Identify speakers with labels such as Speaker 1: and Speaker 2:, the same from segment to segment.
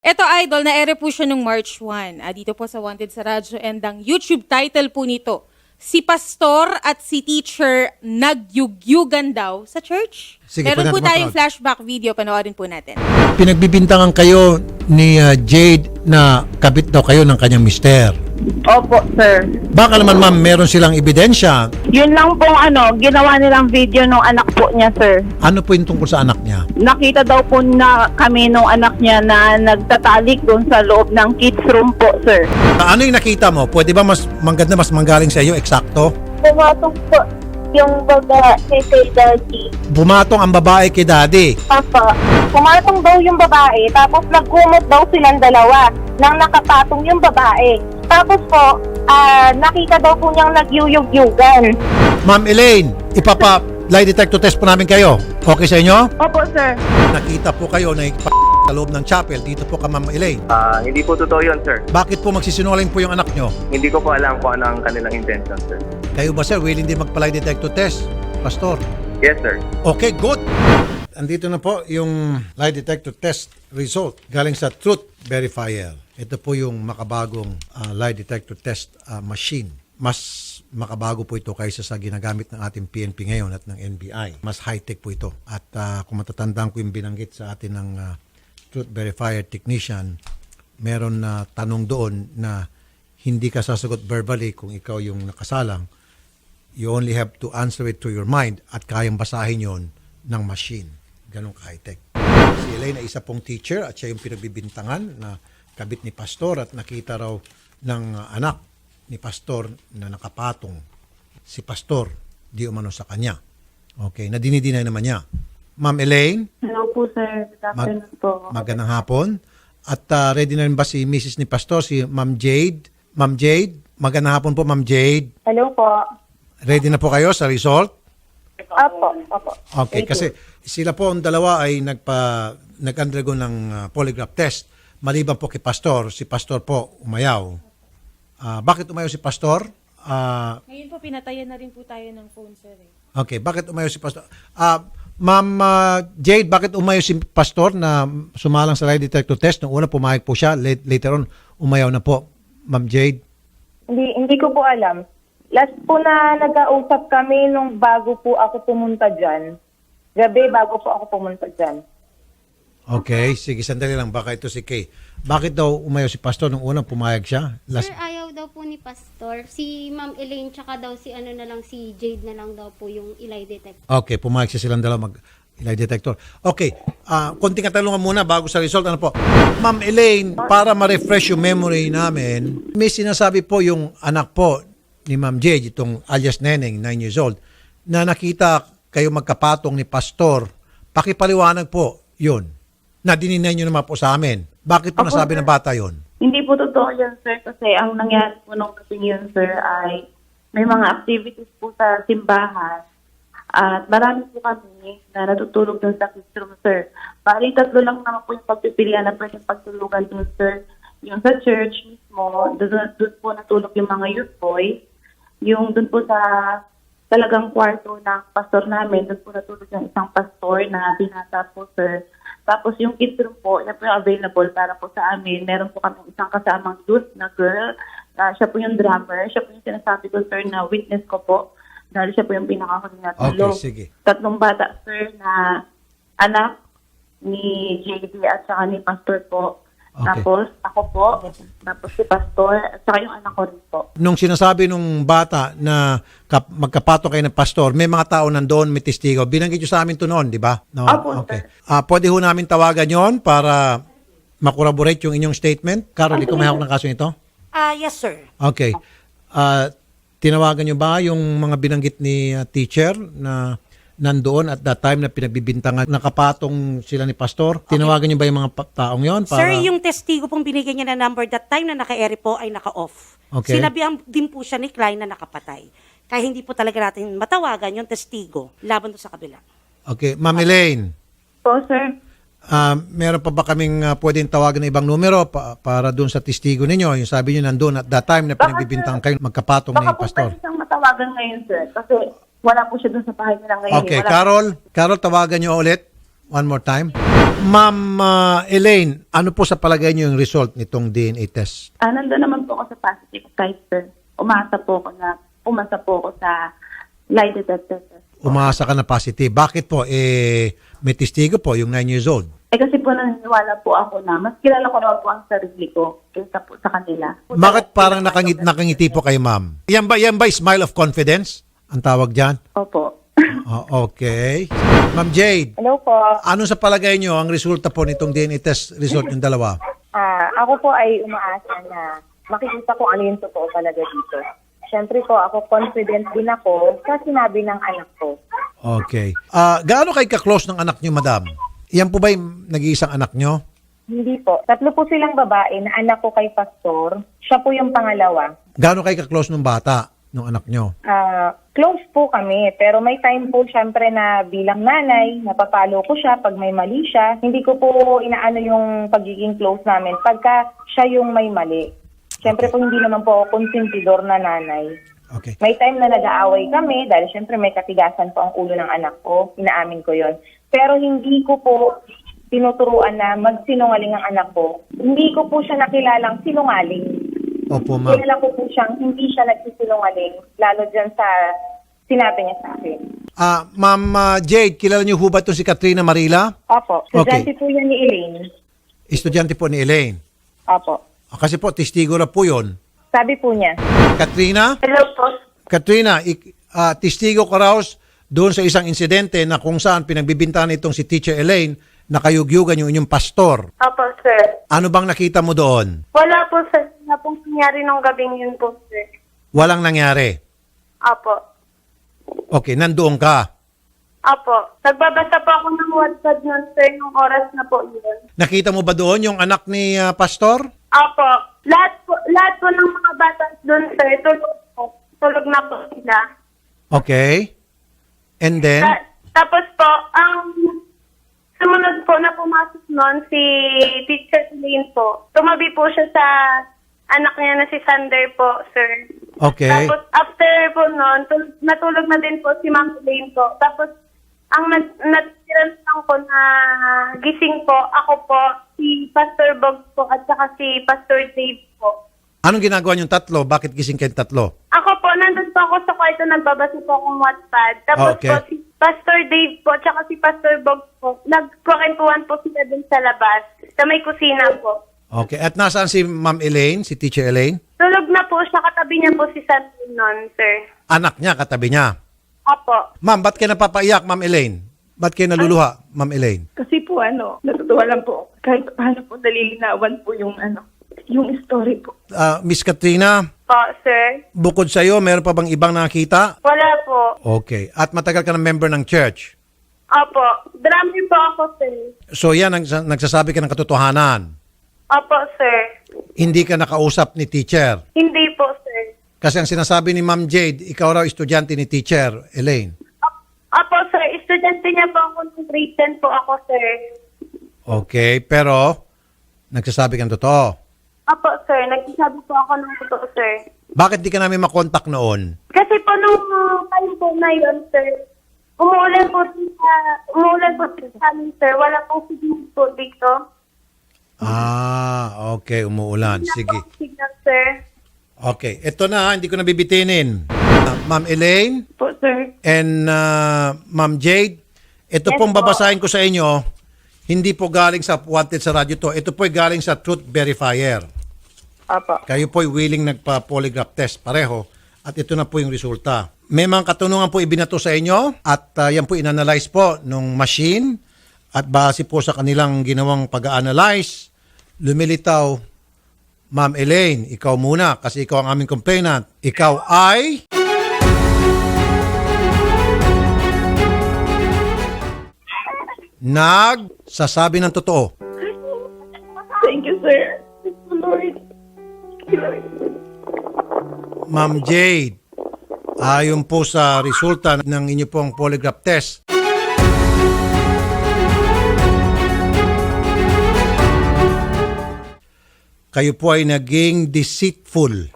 Speaker 1: Eto idol, na-ere po siya nung March 1. Dito po sa Wanted sa Radyo, and ang YouTube title po nito, si pastor at si teacher nagyugyugan daw sa church.
Speaker 2: Sige,
Speaker 1: Meron po
Speaker 2: pwede natin
Speaker 1: tayong
Speaker 2: mapanood.
Speaker 1: flashback video, panoorin po natin.
Speaker 2: Pinagbibintangan kayo ni Jade na kabit daw kayo ng kanyang mister.
Speaker 3: Opo, sir.
Speaker 2: Baka naman ma'am, meron silang ebidensya.
Speaker 3: Yun lang pong ginawa nilang video nung anak po niya, sir.
Speaker 2: Ano po yung tungkol sa anak niya?
Speaker 3: Nakita daw po na kami nung anak niya na nagtatalik doon sa loob ng kids room po, sir.
Speaker 2: Ano yung nakita mo? Pwede ba mas maganda, mas manggaling sa iyo, eksakto?
Speaker 4: Pumatong po yung babae kay daddy.
Speaker 2: Bumatong ang babae kay daddy.
Speaker 4: Papa, pumatong daw yung babae, tapos nagkumot daw silang dalawa nang nakapatong yung babae. Tapos po, nakita daw po niyang nagyuyug-yugan.
Speaker 2: Ma'am Elaine, lie detector test po namin kayo. Okay sa inyo?
Speaker 3: Opo, sir.
Speaker 2: Nakita po kayo na sa loob ng chapel. Dito po ka, Ma'am Elaine.
Speaker 5: Hindi po totoo yun, sir.
Speaker 2: Bakit po magsisinungaling po yung anak nyo?
Speaker 5: Hindi ko po alam kung ano ang kanilang intention, sir.
Speaker 2: Kayo ba sir, willing din magpa-lie detector test? Pastor?
Speaker 5: Yes, sir.
Speaker 2: Okay, good. Andito na po yung lie detector test result galing sa Truth Verifier. Ito po yung makabagong lie detector test machine. Mas makabago po ito kaysa sa ginagamit ng ating PNP ngayon at ng NBI. Mas high-tech po ito. At kung matatandaan ko yung binanggit sa atin ng Truth Verifier technician, meron na tanong doon na hindi ka sasagot verbally kung ikaw yung nakasalang. You only have to answer it to your mind at kayang basahin yon ng machine. Ganong ka-high-tech. Si Elaine ay isa pong teacher at siya yung pinagbibintangan na kabit ni pastor at nakita raw ng anak ni pastor na nakapatong si pastor di umano sa kanya. Okay, na dinidinay naman niya. Ma'am Elaine,
Speaker 4: Hello po, sir. Good afternoon po.
Speaker 2: magandang hapon. At ready na rin ba si Mrs. ni pastor, si Ma'am Jade? Ma'am Jade, magandang hapon po Ma'am Jade.
Speaker 4: Hello po.
Speaker 2: Ready na po kayo sa result?
Speaker 4: Opo, opo.
Speaker 2: Okay, kasi sila po ang dalawa ay nag-undergo ng polygraph test. Maliban po kay pastor, si pastor po umayaw. Bakit umayaw si pastor?
Speaker 1: Ngayon po, pinatayan na rin po tayo ng phone, sir.
Speaker 2: Okay, bakit umayaw si pastor? Ma'am Jade, bakit umayaw si pastor na sumalang sa lie detector test? Nung una pumayag po siya, later on umayaw na po. Ma'am Jade?
Speaker 4: Hindi ko po alam. Last po na nag-ausap kami nung bago po ako pumunta dyan. Gabi bago po ako pumunta dyan.
Speaker 2: Okay, sige, sandali lang. Baka ito si Kay. Bakit daw umayaw si pastor nung unang pumayag siya?
Speaker 6: Sir, ayaw daw po ni Pastor. Si Ma'am Elaine tsaka daw si si Jade na lang daw po yung ilay detect.
Speaker 2: Okay, pumayag siya silang dalawa lie detector. Okay, konting katanungan muna bago sa result. Ano po? Ma'am Elaine, para ma-refresh yung memory namin, may sinasabi po yung anak po ni Ma'am Jade, itong alias Neneng, 9 years old, na nakita kayo magkapatong ni Pastor. Pakipaliwanag po yun, na dininay nyo naman po sa amin. Bakit po nasabi ng bata yun?
Speaker 4: Hindi po totoo yan, sir, kasi ang nangyari po nung kasing yun, sir, ay may mga activities po sa simbahan at marami po kami na natutulog dun sa kids room, sir. Bali, 3 lang naman po yung pagpipilian na pwedeng pagtulugan dun, sir. Yung sa church mismo, dun po natulog yung mga youth boys. Yung dun po sa talagang kwarto ng pastor namin, dun po natulog yung isang pastor na binata po, sir. Tapos yung kids room po, yan po yung available para po sa amin. Meron po kami isang kasamang youth na girl. Siya po yung drummer. Siya po yung sinasabi ko, sir, na witness ko po. Dahil siya po yung pinakakuli na tulog.
Speaker 2: Okay, sige.
Speaker 4: 3 bata, sir, na anak ni JD at saka ni pastor po.
Speaker 2: Okay.
Speaker 4: Tapos ako po, tapos si pastor, at saka yung anak ko rin po.
Speaker 2: Nung sinasabi nung bata na magkapato kayo ng pastor, may mga tao nandoon, may testigo. Binanggit nyo sa amin to noon, di ba? No?
Speaker 4: Opo,
Speaker 2: Okay. Pwede ho namin tawagan yon para makorroborate yung inyong statement. Carol, ikaw may hawak ng kaso nito?
Speaker 7: Yes, sir.
Speaker 2: Okay. Tinawagan nyo ba yung mga binanggit ni teacher na nandoon at that time na pinagbibintangan, nakapatong sila ni pastor? Tinawagan nyo ba yung mga taong yon? Para...
Speaker 7: Sir, yung testigo pong binigyan niya na number that time na naka-ere po ay naka-off.
Speaker 2: Okay.
Speaker 7: Sinabihan din po siya ni Klein na nakapatay. Kaya hindi po talaga natin matawagan yung testigo laban doon sa kabila.
Speaker 2: Okay. Ma'am Elaine,
Speaker 4: Po, sir.
Speaker 2: meron pa ba kaming pwedeng tawagan ng ibang numero para doon sa testigo ninyo? Yung sabi nyo nandun at that time na pinagbibintang kayo magkapatong
Speaker 4: Baka
Speaker 2: ni
Speaker 4: po
Speaker 2: pastor.
Speaker 4: pwede siyang matawagan ngayon, sir. Kasi wala po siya dun sa bahay nila ngayon.
Speaker 2: Okay,
Speaker 4: Wala.
Speaker 2: Carol, tawagan nyo ulit. One more time. Ma'am Elaine, ano po sa palagay niyo yung result nitong DNA test?
Speaker 4: Nandun naman po ako sa positive side, sir. Umasa po ako sa lie detector test.
Speaker 2: Umasa ka na positive. Bakit po? May testigo po, yung 9 years old.
Speaker 4: Kasi po naniniwala po ako na mas kilala ko naman po ang sarili ko kaysa po sa kanila.
Speaker 2: Bakit parang nakangiti po kayo, ma'am? Yan ba smile of confidence? Ang tawag dyan?
Speaker 4: Opo.
Speaker 2: Okay. Ma'am Jade,
Speaker 8: Hello po.
Speaker 2: ano sa palagay nyo ang resulta po nitong DNA test result yung dalawa?
Speaker 8: Ako po ay umaasa na makikita ko ano yung totoo talaga dito. Siyempre po, ako confident din ako sa sinabi ng anak ko.
Speaker 2: Okay. Gaano kayo ka-close ng anak nyo, madam? Yan po ba yung nag-iisang anak nyo?
Speaker 8: Hindi po. 3 po silang babae na anak ko kay Pastor. Siya po yung pangalawa.
Speaker 2: Gaano kayo ka-close ng bata, ng anak nyo?
Speaker 8: Close po kami, pero may time po siyempre na bilang nanay, napapalo ko siya pag may mali siya. Hindi ko po inaano yung pagiging close namin pagka siya yung may mali. Siyempre po hindi naman po ako konsentidor na nanay.
Speaker 2: Okay.
Speaker 8: May time na nag-aaway kami dahil siyempre may katigasan po ang ulo ng anak ko. Inaamin ko yon. Pero hindi ko po tinuturuan na magsinungaling ang anak ko. Hindi ko po siya nakilalang sinungaling.
Speaker 2: Opo, ma'am.
Speaker 8: Kilala ko po siyang hindi siya nagsisinungaling, lalo dyan sa sinabi niya sa akin.
Speaker 2: Ma'am Jade, kilala niyo ho ba itong si Katrina Marila?
Speaker 8: Opo,
Speaker 2: Okay.
Speaker 8: estudyante po yan ni Elaine.
Speaker 2: Estudyante po ni Elaine.
Speaker 8: Opo.
Speaker 2: Kasi po, testigo na po yun.
Speaker 8: Sabi po niya.
Speaker 2: Katrina?
Speaker 4: Hello po.
Speaker 2: Katrina, testigo ka raw doon sa isang insidente na kung saan pinagbibintahan itong si Teacher Elaine na kayugyugan yung inyong pastor.
Speaker 4: Opo, sir.
Speaker 2: Ano bang nakita mo doon?
Speaker 4: Wala po, sir. Wala pong nangyari nung gabing yun po, sir.
Speaker 2: Walang nangyari.
Speaker 4: Opo.
Speaker 2: Okay, nandoon ka.
Speaker 4: Opo. Nagbabasa po ako ng WhatsApp nun, sir, nung oras na po yun.
Speaker 2: Nakita mo ba doon yung anak ni pastor?
Speaker 4: Opo. Lahat po ng mga bata doon, sir, tulog po. Tulog na po sila.
Speaker 2: Okay. And then?
Speaker 4: Tapos po, ang sumunod po na pumasok noon si Teacher Elaine po. Tumabi po siya sa anak niya na si Sander po, sir.
Speaker 2: Okay.
Speaker 4: Tapos after po noon, natulog na din po si Ma'am Elaine po. Tapos ang natiran lang ko na gising po, ako po, si Pastor Bog po at saka si Pastor Dave po.
Speaker 2: Anong ginagawa niyong tatlo? Bakit gising kayong tatlo?
Speaker 4: Ako po, nandun po ako sa kwarto, nagbabasa po akong Wattpad. Tapos
Speaker 2: Okay.
Speaker 4: po, si Pastor Dave po, tsaka si Pastor Bog po, nagkwentuhan po sila dun sa labas, sa may kusina po.
Speaker 2: Okay. At nasaan si Ma'am Elaine, si Teacher Elaine?
Speaker 4: Tulog na po siya, katabi niya po si Sandy noon, sir.
Speaker 2: Anak niya, katabi niya.
Speaker 4: Apo.
Speaker 2: Ma'am, ba't kayo napapaiyak, Ma'am Elaine? Ba't kayo naluluha, Ma'am Elaine?
Speaker 9: Kasi po natutuwa lang po. Kahit paano po nalilinawan po yung story po.
Speaker 2: Miss Katrina,
Speaker 4: Po, sir.
Speaker 2: bukod sa iyo, meron pa bang ibang nakita?
Speaker 4: Wala po.
Speaker 2: Okay. At matagal ka ng member ng church.
Speaker 4: Apo. Drummer po ako, sir.
Speaker 2: So yan, nagsasabi ka ng katotohanan.
Speaker 4: Apo, sir.
Speaker 2: Hindi ka nakausap ni teacher.
Speaker 4: Hindi po, sir.
Speaker 2: Kasi ang sinasabi ni Ma'am Jade, ikaw raw estudyante ni Teacher Elaine.
Speaker 4: Apo, sir. Estudyante niya po ako ng grade 10 po ako, sir.
Speaker 2: Okay, pero nagsasabi ka ng totoo.
Speaker 4: Apo, sir. Nagsasabi po ako ng totoo, sir.
Speaker 2: Bakit di ka namin makontak noon?
Speaker 4: Kasi po nung time po na yun, sir, umuulan po sa amin, sir. Wala pong signal po dito.
Speaker 2: Okay, umuulan. Sige.
Speaker 4: Wala pong signal, sir.
Speaker 2: Okay, ito na, hindi ko nabibitinin. Ma'am Elaine
Speaker 9: Po, sir.
Speaker 2: and Ma'am Jade, ito pong babasahin ko sa inyo, hindi po galing sa Wanted sa radyo to. Ito po ay galing sa Truth Verifier.
Speaker 9: Apo.
Speaker 2: Kayo po ay willing nagpa-polygraph test pareho at ito na po yung resulta. May mga katanungan po ibinato sa inyo at yan po inanalyze po nung machine at base po sa kanilang ginawang pag-analyze, lumilitaw, Ma'am Elaine, ikaw muna kasi ikaw ang aming complainant. Ikaw ay... nagsasabi ng totoo.
Speaker 9: Thank you, sir. Thank you, Lord. Thank you, Lord.
Speaker 2: Ma'am Jade, ayon po sa resulta ng inyo pong polygraph test, kayo po ay naging deceitful.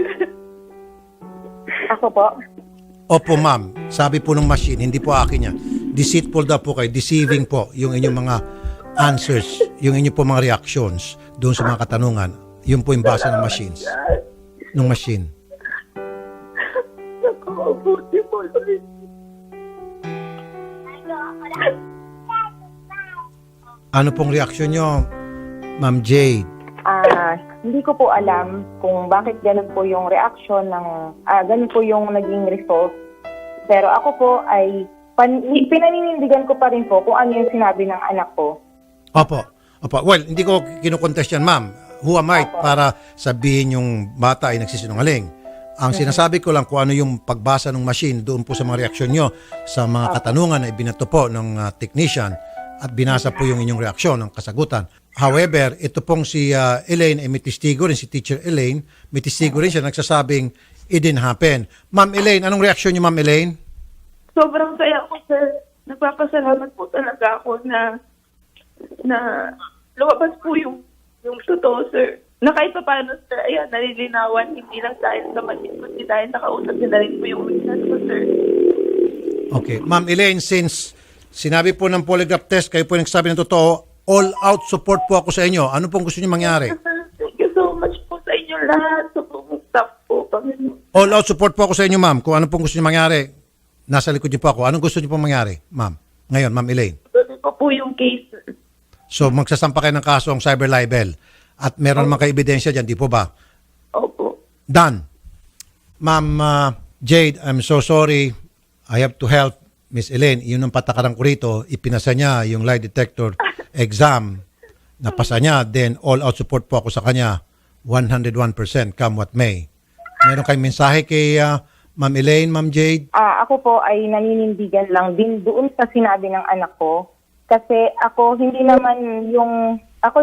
Speaker 8: Ako po.
Speaker 2: Opo, ma'am. Sabi po ng machine, hindi po akin yan. Deceitful daw po kayo. Deceiving po yung inyong mga answers, yung inyo po mga reactions doon sa mga katanungan, yun po yung basa ng machines. Ng machine.
Speaker 9: Nakakabuti po, Lord.
Speaker 2: Ano pong reaksyon nyo, Ma'am Jade?
Speaker 8: Hindi ko po alam kung bakit ganun po yung reaction ng, ganun po yung naging result. Pero ako po ay, pinaninindigan ko pa rin po kung ano yung sinabi ng anak ko.
Speaker 2: Opo. Well, hindi ko kinukontest yan, ma'am. Who am I para sabihin yung bata ay nagsisinungaling? Ang sinasabi ko lang kung ano yung pagbasa ng machine doon po sa mga reaksyon nyo sa mga katanungan na ibinato po ng technician at binasa po yung inyong reaksyon, ng kasagutan. However, ito pong si Elaine ay may testigo rin, si Teacher Elaine, may testigo rin siya nagsasabing it didn't happen. Ma'am Elaine, anong reaksyon niyo, Ma'am Elaine?
Speaker 9: Sobrang saya ko, sir. Nagpapasalamat po talaga ako na lumabas po yung totoo, sir. Na kahit pa paano, sir, ayan, nalilinawan, hindi lang dahil sa machine, kundi dahil nakausap niya na rin po yung witness ko, sir.
Speaker 2: Okay. Ma'am Elaine, since sinabi po ng polygraph test, kayo po yung nagsasabi ng totoo, all-out support po ako sa inyo. Ano pong gusto niyo mangyari?
Speaker 9: Thank you so much po sa inyo lahat. Sa buong staff po, Panginoon.
Speaker 2: All-out support po ako sa inyo, ma'am. Kung ano pong gusto niyo mangyari, nasa likod niyo po ako. Anong gusto niyo pong mangyari, ma'am? Ngayon, Ma'am Elaine.
Speaker 9: Tuloy pa po yung case, sir.
Speaker 2: So, magsasampa kayo ng kaso ang cyber libel. At meron naman kayo ebidensya dyan, di po ba?
Speaker 9: Opo.
Speaker 2: Done. Ma'am Jade, I'm so sorry. I have to help Miss Elaine. Yun ang patakaran ko rito. Ipinasa niya yung lie detector exam. Napasa niya. Then all-out support po ako sa kanya. 101% come what may. Meron kayong mensahe kay Ma'am Elaine, Ma'am Jade?
Speaker 8: Ako po ay naninindigan lang din doon sa sinabi ng anak ko. Kasi ako hindi naman yung ako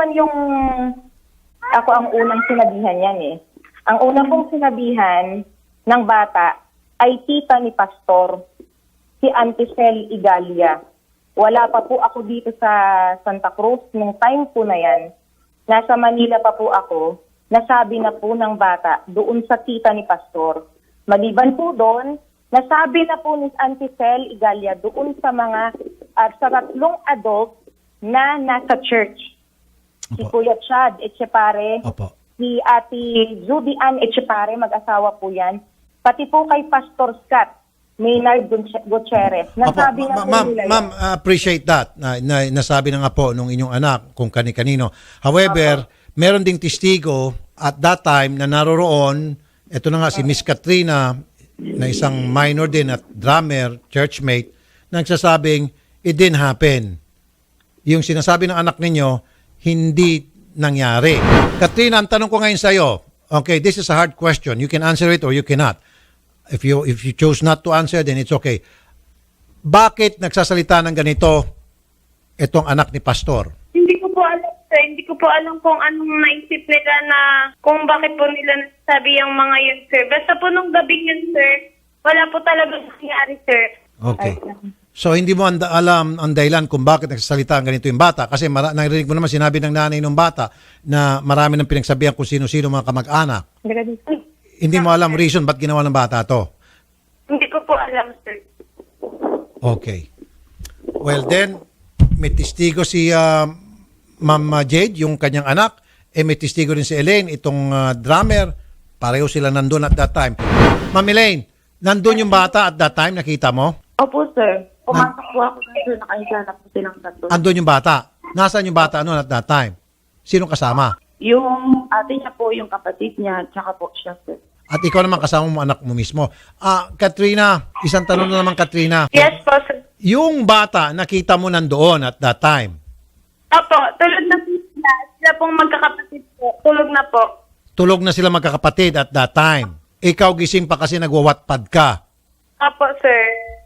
Speaker 8: ang unang sinabihan yan eh. Ang unang pong sinabihan ng bata ay tita ni Pastor, si Auntie Cel Igalia. Wala pa po ako dito sa Santa Cruz nung time po na yan. Nasa Manila pa po ako. Nasabi na po ng bata doon sa tita ni Pastor. Maliban po doon, nasabi na po ni Auntie Cel Igalia doon sa mga sa tatlong adult na nasa church. Si
Speaker 2: Opo.
Speaker 8: Kuya Chad Echepare,
Speaker 2: Opo.
Speaker 8: si Ate Judy Ann Echepare, mag-asawa po yan. Pati po kay Pastor Scott Maynard Gutierrez. Nasabi na po nila
Speaker 2: Ma'am, appreciate that. Nasabi na nga po nung inyong anak kung kani-kanino. However, meron ding testigo at that time na naroroon, ito na nga si Miss Katrina, na isang minor din at drummer, churchmate, nagsasabing, it didn't happen. Yung sinasabi ng anak ninyo, hindi nangyari. Katrina, ang tanong ko ngayon sa iyo, okay, this is a hard question. You can answer it or you cannot. If you choose not to answer, then it's okay. Bakit nagsasalita ng ganito itong anak ni Pastor?
Speaker 10: Hindi ko po alam, sir. Hindi ko po alam kung anong naisip nila na kung bakit po nila nasabi yung mga yun, sir. Basta po nung gabing yun, sir, wala po talaga nangyari, sir.
Speaker 2: Okay. So, hindi mo alam ang dahilan kung bakit nagsasalita ang ganito yung bata. Kasi narinig mo naman sinabi ng nanay ng bata na marami ng pinagsabihan kung sino-sino mga kamag-anak. Hindi mo alam reason ba't ginawa ng bata to.
Speaker 10: Hindi ko po alam, sir.
Speaker 2: Okay. Well then, may testigo si Ma'am Jade, yung kanyang anak. May testigo rin si Elaine, itong drummer. Pareho sila nandun at that time. Ma'am Elaine, nandun yung bata at that time, nakita mo?
Speaker 4: Opo, sir. Pumasok po ako na, sir. Nakaisa na po silang tatlo.
Speaker 2: Andun yung bata. Nasaan yung bata noon at that time? Sinong kasama?
Speaker 4: Yung ate niya po, yung kapatid niya, tsaka po siya, sir.
Speaker 2: At ikaw naman kasama mo anak mo mismo. Katrina, isang tanong na naman, Katrina.
Speaker 10: Yes po, sir.
Speaker 2: Yung bata, nakita mo nandoon at that time.
Speaker 10: Opo, tulog na po sila. Sila pong magkakapatid po. Tulog na po.
Speaker 2: Tulog na sila magkakapatid at that time. Ikaw gising pa kasi nagwawatpad ka.
Speaker 10: Opo, sir.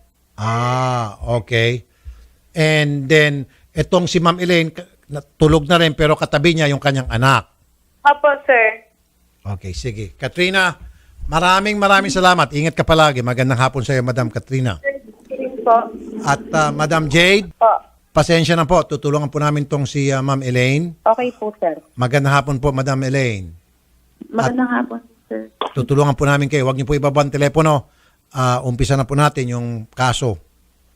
Speaker 2: Okay. And then, etong si Ma'am Elaine, tulog na rin pero katabi niya yung kanyang anak.
Speaker 10: Opo, sir.
Speaker 2: Okay, sige. Katrina, maraming salamat. Ingat ka palagi. Magandang hapon sa iyo, Madam Katrina.
Speaker 10: Po.
Speaker 2: At Madam Jade,
Speaker 8: Po.
Speaker 2: pasensya na po. Tutulungan po namin tong si Ma'am Elaine.
Speaker 8: Okay po, sir.
Speaker 2: Magandang hapon po, Madam Elaine.
Speaker 4: Magandang hapon, sir.
Speaker 2: Tutulungan po namin kayo. Huwag niyo po ibaba ang telepono. Umpisa na po natin yung kaso.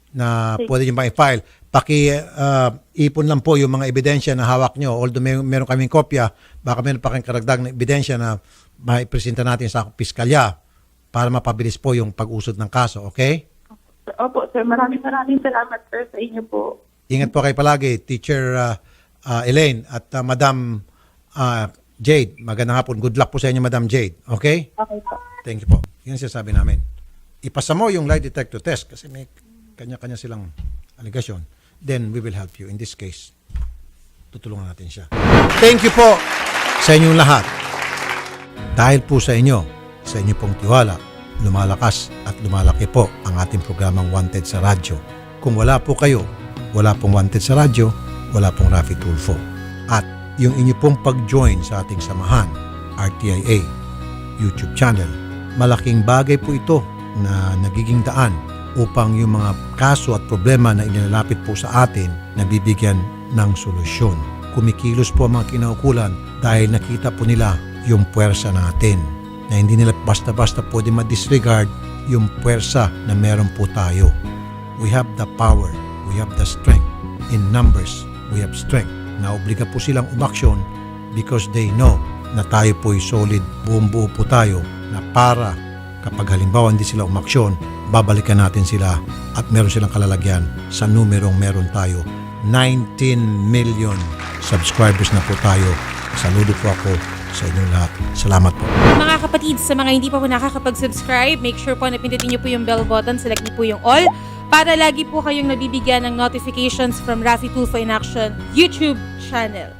Speaker 2: na pwede nyo bang i-file. Ipon lang po yung mga ebidensya na hawak nyo. Although meron kaming kopya, baka meron pa kayong karagdag na ebidensya na maipresenta natin sa piskalya para mapabilis po yung pag-usod ng kaso. Okay?
Speaker 9: Opo, sir. Maraming salamat, sir, sa inyo po.
Speaker 2: Ingat po kayo palagi, Teacher Elaine at Madam Jade. Magandang hapon. Good luck po sa inyo, Madam Jade. Okay?
Speaker 9: Okay po.
Speaker 2: Thank you po. Yan sinasabi namin. Ipasa mo yung lie detector test kasi may kanya-kanya silang allegation. Then we will help you. In this case, tutulungan natin siya. Thank you po sa inyong lahat. Dahil po sa inyo pong tiwala, lumalakas at lumalaki po ang ating programang Wanted sa Radyo. Kung wala po kayo, wala pong Wanted sa Radyo, wala pong Raffy Tulfo. At yung inyo pong pag-join sa ating samahan, RTIA, YouTube channel, malaking bagay po ito na nagiging daan upang yung mga kaso at problema na inilalapit po sa atin nabibigyan ng solusyon. Kumikilos po ang mga kinaukulan dahil nakita po nila yung puwersa natin na hindi nila basta-basta pwede ma-disregard yung puwersa na meron po tayo. We have the power, we have the strength. In numbers, we have strength. Naobliga po silang umaksyon because they know na tayo po'y solid, buong-buo po tayo na para kapag halimbawa hindi sila umaksyon, babalikan natin sila at meron silang kalalagyan sa numerong meron tayo. 19 million subscribers na po tayo. Saludo po ako sa inyong lahat. Salamat po.
Speaker 1: Mga kapatid, sa mga hindi pa po nakakapag-subscribe, make sure po na pindutin niyo po yung bell button, select niyo po yung all, para lagi po kayong nabibigyan ng notifications from Raffy Tulfo in Action YouTube channel.